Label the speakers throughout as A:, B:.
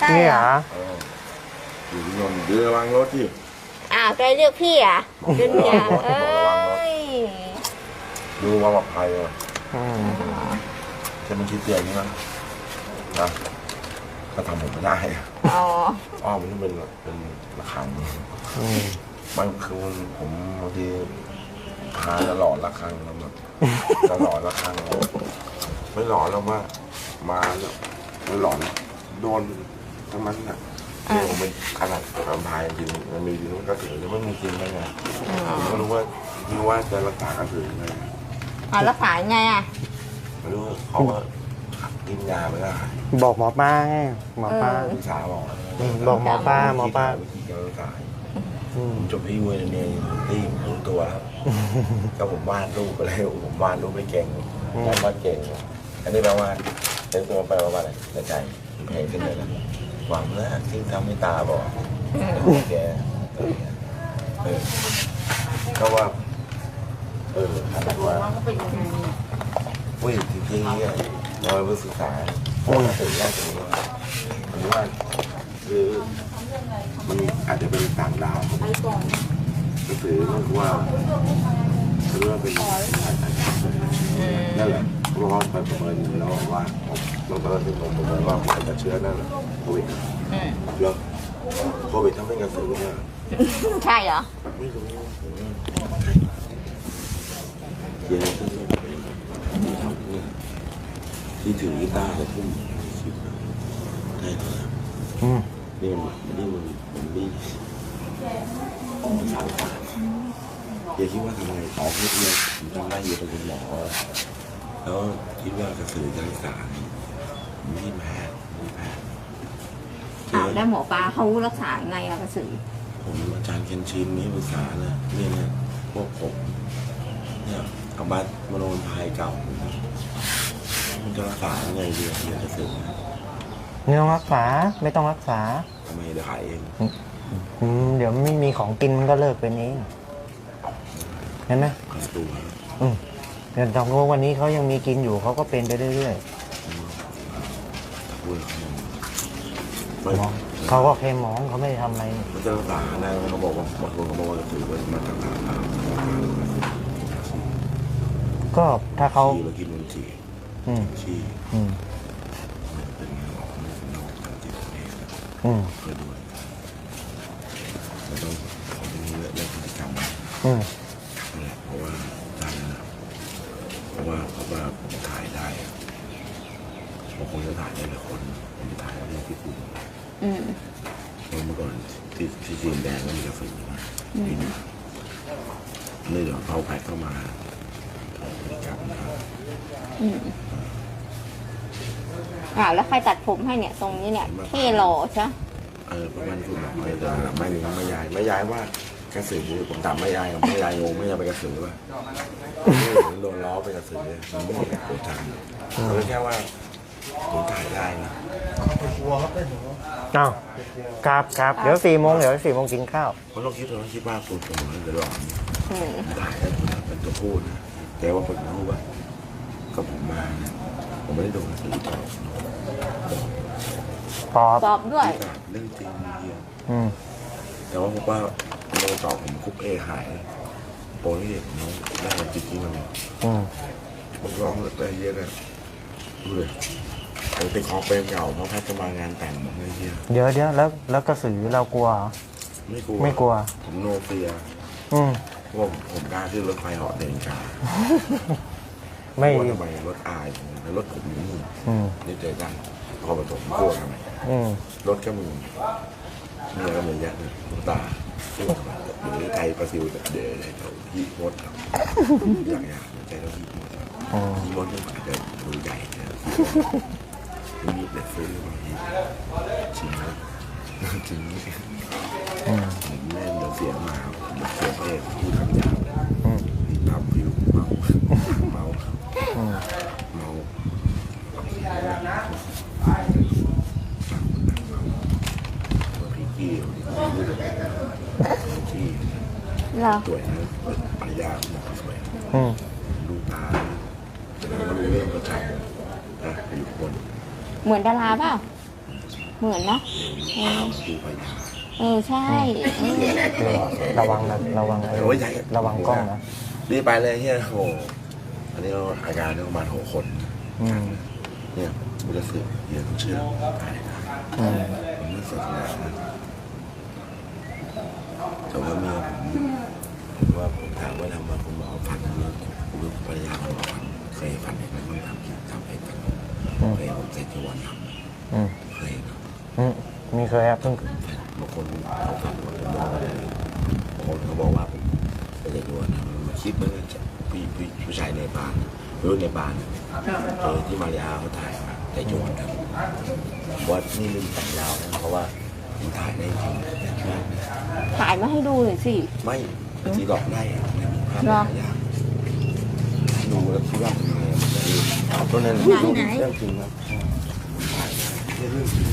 A: นี่เหรอ
B: อยู่ที่นนท์เดี๋ยวระวังรถที่
C: อ้าวใจเรียกพี่อ่ะจุนยาเอ้ย
B: ดูว่าปลอดภัยเลย
A: อืม
B: จะมันคิดเตียงนี่มั้งนะก็ทำผมไม่ได้
C: อ๋อ
B: อ้อมันต้องเป็นระฆัง
A: อืม
B: บางคืนผมบางทีพาจะหลอนระฆังแล้วแบบจะหลอนระฆังไม่หลอนแล้วว่ามาแล้วไม่หลอนโดนทั้งนั้นน่ะเนี่ยผมเป็นขนาดแวมไพร์จริงมันมีจริงมันก็ถือแล้วไม่มีจริงได้ไงผมก็รู้ว่าจะรักษากระสือยังไง
C: อ๋อรักษายังไงอ่ะ
B: ไม่รู้เขาก็กินยาไม่ได้
A: บอกหมอป้าไงหมอป้า
B: ศึกษาบอก
A: บอกหมอป้าหมอป้า
B: วิธีการรักษา
A: อืม
B: ผมจบที่เวอร์เนียที่รู้ตัวแล้วก็ผมวาดรูปไปแล้วผมวาดรูปไม่เก่งแต่วาดเก่งอันนี้แปลว่าเป็นตัวแปลว่าอะไรในใจเพลงขึ้นเลยนะหวังนะที่ทำให้ตาบอกแกก็ว่าอะไรว่าอุ้ยจริงๆเนี่ยเราไปศึกษาถึงแรกตรงนี้ว่าผมว่าคือมันอาจจะเป็นต่างดาวก็คือว่าคือว่าเป็นนั่นแหละเพราะว่าไปประเมินแล้วว่าเราตอนนั้นผมประเมินว่าผมจะเชื้อนั่นแหละโควิดแล้วโควิดทำให้กระสือเนี่ย
C: ใช่เหรอ
B: ไม่รู้เย็นขึ้นที่ทำเนี่ยที่ถือกีตาร์จะทุ่มได้เลย
A: อืม
B: นี่มันดีสารตาอย่าคิดว่าทำไมต่อให้เนี่ยผมทำได้อยู่เป็นคุณหมอแล้วคิดว่ากระสือจะรักษาไม่แพ้ไม่แพ้
C: อ้าวแล้วหมอปลาเขารักษายังไงอะกระสือ
B: ผมอาจารย์เคนชินนี่ปรึกษาเลยเนี่ยพวกผมเนี่ยเอาบัตรมโนพายเก่ามันจะรักษายังไงดีเดี๋ยวจะสึก
A: ไม่ต้องรักษาไม่ต้องรักษา
B: ทำไมเดี๋ยวขายเอง
A: เดี๋ยวไม่มีของกินมันก็เลิกเป็นเองเห็นไหม
B: ขายตัว
A: เดี๋ยวตองวันนี้เขายังมีกินอยู่เขาก็เป็นไปเรื่อย
B: พูดไม่
A: ๆเขาก็แค่มองเขาไม่ได้ทำอะไร
B: มันจะรักษาได้เขาบอกว่าบางคนเขาบอกว่าจะถือว่ามาจากทางเรา
A: ก็ถ้าเขา
B: ชีเรากินมันจี
A: อืม
B: ชี
A: อืม
B: เป็นไงหรอกมันนอกจากจิตเอง
A: อืม
B: เพื่อด้วยเราต้องของนี้เรื่องพฤติกรรม
A: อืม
B: นี่เพราะว่าตอนนั้นเพราะว่าผมถ่ายได้บางคนจะถ่ายได้หลายคนผมจะถ่ายได้ที่คุณ
C: อืม
B: เมื่อก่อนที่จีนแดงก็มีกระสือนะปีนี้นี่เดี๋ยวเขาแพ็คเข้ามาพฤติกรรมนะครับ
C: อืมอ้าวแล้วใครตัดผมให้เนี่ยตรงนี้เนี่ยพี่หล่อใช่
B: ประมาณคุณบอกเลยแต่ไม่ย้ายว่ากระสือผมถามไม่ย้ายกับไม่ย้ายงงไม่ย้ายไปกระสือป่ะโดนล้อไปกระสือมันไม่ได้โกรธจังเขาแค่ว่าผมถ่ายได้นะ
A: อ้าวครับเดี๋ยว4 โมงกินข้าว
B: เพราะเราคิดว่าตัวผมจะหลอน
C: อืม
B: ถ่ายได้เป็นตัวพูดนะแต่ว่าผมรู้ว่าก็ผมมาเนี่ยผมไม่ได้โดนกระสือตอบ
A: ปอบ
C: ปอบด้วย
B: เรื่องจริงเดียว
A: อืม
B: แต่ว่าผมว่าโดนตอบผมคุกหายโปรนี่เด็กน้องได้จริงๆมัน
A: อืม
B: ผมร้องแต่เยอะเลยดูเลยผมติดคอเปรมเก่าเพราะแพทย์จะมางานแต่งผมเลยเยอะ
A: เดี๋ยวแล้วกระสือเรากลัวเหรอ ไม่กลัว
B: ผมโนเฟีย
A: อืม
B: ผมกล้าขึ้นรถไฟเหาะเดินกา
A: ไม่
B: ว่าทำไมรถอายแล้วรถผมอยู่นู่น
A: อืม
B: นี่เจอกันพอผสมกลัวทำไม
A: อืม
B: รถก็มีเมียก็มีแยะเลยลูกตาเดี๋ยวใจประซิวเดี๋ยวพี่มดครับอยากใจเราพี่มดครับพี่มดนี่อาจจะดูใหญ่นะมีเด็ดซื้อมาพี่ชิมนะจริงผมแม่เดี๋ยวเสียมาเดี๋ยวเสียเองพูดคำหยาบพี่ทำผิวเมาพี่กี้ที่
C: เหรอ
B: สวยนะปริยาหมอสวย
A: อืม
B: ดูตาแสดงว่ารู้เรื่องประชันนะอยู่คน
C: เหมือนดาราเปล่าเหมือนเนาะ
B: ดูไปยา
C: ใช่
A: ระวังนะระวังระวังกล้องนะ
B: รีบไปเลยเฮียโอ้อันนี้เราอาการประมาณ6 คน เนี่ยบุรุษสืบเฮียต้องเชื่อตายนะผมไม่เสียงานนะแต่ว่าเมียผมว่าผมถามว่าทำมาคุณหมอฟันเนี่ยผมรู้ภรรยาคุณหมอฟันเคยฟันเองไหมคุณทำกินทำเองกันเคยผมใส่จีวรทำเคยนะ
A: มีเคยครับเพิ่ง
B: บางคนเขาฟันผมมองอะไรบางคนเขาบอกว่าผมเป็นจีวรนะมันคิดเหมือนกันผู้ชายในบ้านรุ่นในบ้านที่มาริอาเขาถ่ายมาแต่จีวรครับว่านี่ลืมแต่งยาวนะเพราะว่าผมถ่ายได้จริง
C: ถ่ายมาให้ดูหน่อยสิ
B: ไม่ที่หลอกได้ไม่มีภาพยากดูแล้วคิดว่าเป็นยังไงตัวนั้นเรื่องจริงครับเรื่องจริง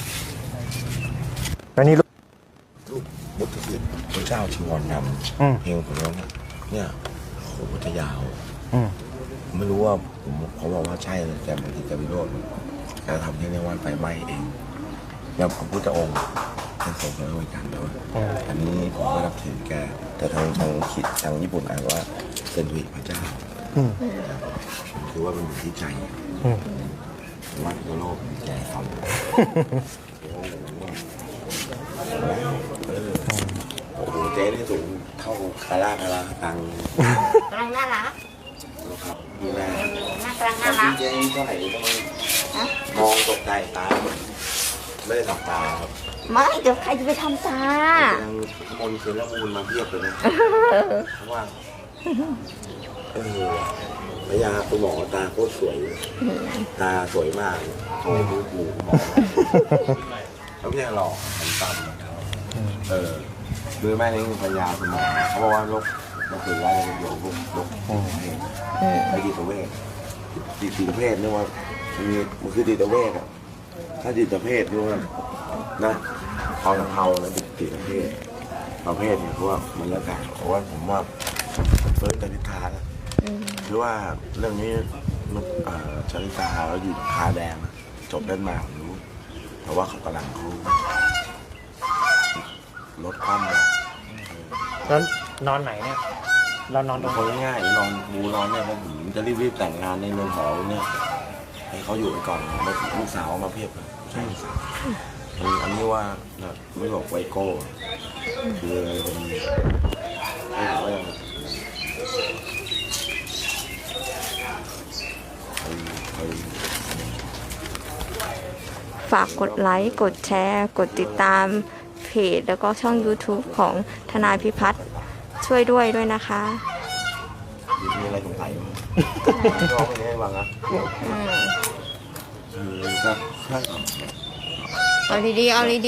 A: แล้วนี่
B: รูปบุตรศิษย์พระเจ้าชิงวรนำเพลงผมร้องเนี่ยโหจะยาวไม่รู้ว่าผมเขาบอกว่าใช่แต่บางทีจะวิโรจน์แกทำแค่ในวันไฟไหม้เองแล้วพระพุทธองค์ท่านทรงพระองค์กันด้วยอันนี้ผมก็รับถือแกแต่ทางญี่ปุ่นอ่านว่าเซนตุอิพระเจ้าคือว่ามันอยู่ที่ใจวัดโลกใจเขาโอ้โหเจ๊นี่สูงเท่าคาราตัง
C: กำลังน่ารัก
B: ครับดูแล
C: น่ากำลังน่ารัก
B: เจ๊เท่าไหร่ก็มองตกใจตาไม่ได้ทำตาครับ
C: ไม่เดี๋ยวใครจะไปทำตา
B: ยังมนคืนละมูลมาเพียบเลยนะเพราะว่าพยาคุณหมอตาโคตรสวยตาสวยมากโทรดูกูหมอแล้วพี่หล่อมันตั้มคือแม่นี่คือพยาคุณหมอเขาบอกว่าโรคมันคือว่าโรคไม่จิตเวชจิตเวชนี่ว่ามันคือจิตเวชอ่ะถ้าจิตเวชนี่ว่านะเอาหนังเทาแล้วจิตเวชประเภทเนี่ยเพราะว่ามันแล้วแต่เพราะว่าผมว่าเฟิร์สกนิธานะคือว่าเรื่องนี้ชลิตาเราอยู่คาแดงจบเล่นมาผมรู้แต่ว่าเขากำลังเขาลดความเลย
A: แล้วนอนไหนเนี่ยเรานอนตรง
B: คนง่ายๆนอนบูนอนเนี่ยผมจะรีบแต่งงานในเมืองหอเนี่ยให้เขาอยู่ไปก่อนลูกสาวมาเพียบเลยใช่ลูกสาวอันนี้ว่าไม่บอกไวโก้คืออะไรเป็นไม่รู้ว่ายัง
C: ฝากกดไลค์ กดแชร์ กดติดตามเพจแล้วก็ช่อง YouTube ของทนายพิพัฒน์ช่วยด้วยนะคะ
B: มีอะไรสงสัยไหมร้องไม่ได้บ้างนะครับใช่
C: เอาดีๆเอาดี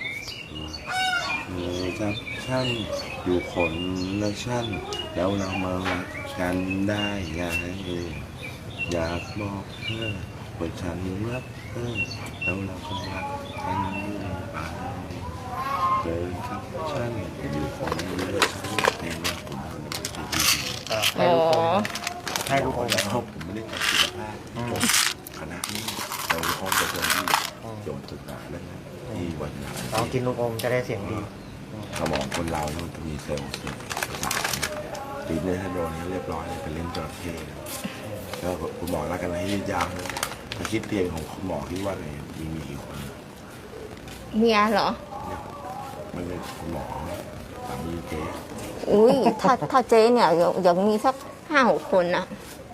B: ครับฉันอยู่คนละชั้นแล้วเรามารักกันได้ไงอยากบอกเธอว่าฉันรักเธอแล้วเราก็รักกันไปเลยครับฉันอยู่คนละชั้นแต่ว่าผม
C: ๆอ๋อ
A: ให้ทุกคน
B: แล้วผมไม่ได้จบศิลปะจบคณะนี้เราห้องประชุมที่จบศึกษาแล้วที่วันนั้น
A: ลองกินลูกอมจะได้เสียงดี
B: สมองคนเราเนี่ยมันจะมีเซลล์ตีเนื้อถ้าโดนเรียบร้อยเป็นเล่นจระเข้แล้วคุณหมอรักกันให้ยืดยาวมาคิดเตียงของคุณหมอคิดว่าไงมีกี่คน
C: เมียเหรอ
B: ไม่เป็นคุณหมอสามีเจ๊
C: อุ้ยถ้าเจ๊เนี่ยยังมีสัก5-6 คนนะ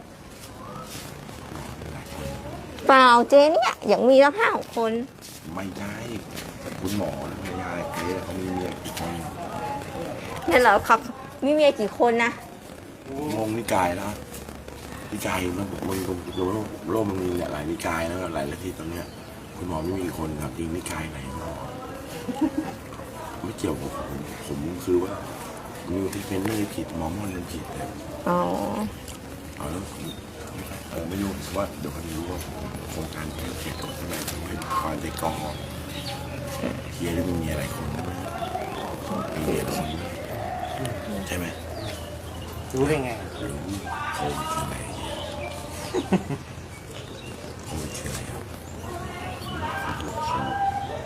C: เปล่าเจ๊เนี่ยยังมีสัก5-6 คน
B: ไม่ใช่คุณหมอภรรยาเจ๊เขามีเมียกี่คน
C: เนี่ยเหรอครับมีเมียกี่คนนะ
B: งงนิกายแล้วนิกายมันโลกมันมีหลายนิกายแล้วหลายลัทธิตอนเนี้ยคุณหมอไม่มีคนครับจริงนิกายไหนหมอไม่เกี่ยวกับผมคือว่ามีที่เป็นเรื่องผิดหมอมันเรื่องผิดแต่
C: อ๋อ
B: เอาแล้วไม่รู้ว่าเดี๋ยวเขารู้ว่าโครงการเกี่ยวกับอะไรทำให้คอยไปกองเฮียแล้วมีอะไรคนไหมมีเมียคนใช่ไหม
A: รู้ได้ไง
B: รู้โควิดคืออะไรโควิดคืออะไรครับ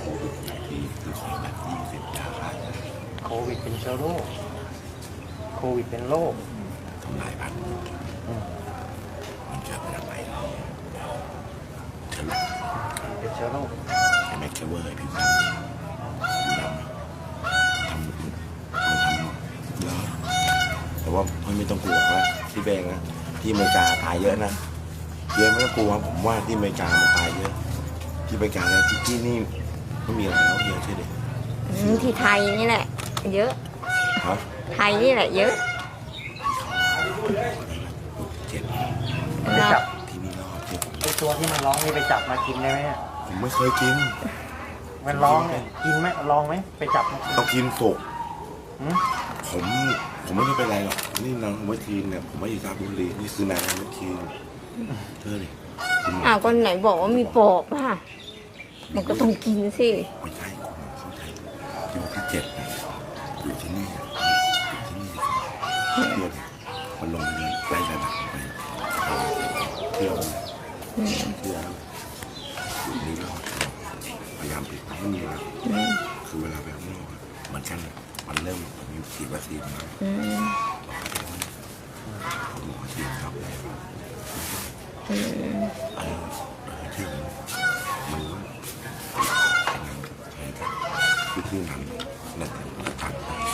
A: ชื้อโรคโควิดเป็นโรค
B: ทำลายพันธุ์
A: อืม
B: มันจะเป็นอะไรเชื้อโรค
A: เป็นเชื้อโรค
B: ไอ้แม็กเคเวอร์ไอ้ผิวดำทำแล้วแต่ว่าไม่ต้องกลัวว่าที่แบงนะที่อเมริกาตายเยอะนะเยอะไม่ต้องกลัวผมว่าที่อเมริกามันตายเยอะที่อเมริกาแล้วที่นี่ไม่มีอะไรแล้วเยอะใช่ไหม
C: ที่ไทยนี่แหละ เยอะ
B: ครับ
C: ไทยนี่แหละเยอะ
B: เจ็ด
A: ไปจับ
B: ที่นี่รอดเจ็ด
A: ไอตัวที่มันร้องนี่ไปจับมากินได้ไหมเนี่ย
B: ผมไม่เคยกิน
A: มันร้องเนี่ยกินไหมลองไหมไปจับมากิน
B: ต้องกินสุก
A: หืม
B: ผมไม่ได้เป็นไรหรอกนี่นางเวทีเนี่ยผมไม่อยู่ราชบุรีนี่คือนางเวทีเธอเลยคุณหมอ
C: อ้าวก็ไหนบอกว่ามีปอบอ่ะมันก็ต้องกินสิ
B: ไม่ใช่คุณหมอเข้าใจอยู่ที่เจ็ดนะอยู่ที่นี่อยู่ที่นี่เพื่อนมันลงไปไล่ระดับไปเที่ยวเที่ยวอยู่นี่รอดพยายามปิดไม่มีนะคือเวลาไปข้างนอกเหมือนกันมันเริ่มมีฉีดวัคซีนมา ผมหมอฉีดครับที่มันที่นั้นนั่นตัด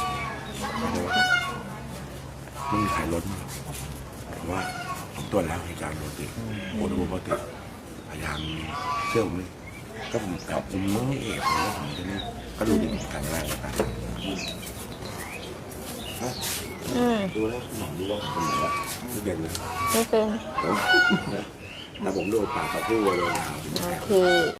B: ไม่มีใครลดเพราะว่าผมตรวจแล้วให้การลดติดโอ้โหปกติพยายามเชื่อผมเลยก็ผมไม่เอกเลยว่าผมจะนี่ก็ดูดีกันแรกกันดูแล้วหมอดูว่าผมเป็นแบบไม่เป็นเลย
C: ไม่เป็น
B: ถ้าผมโดนปากกับผู้เลย
C: โอเค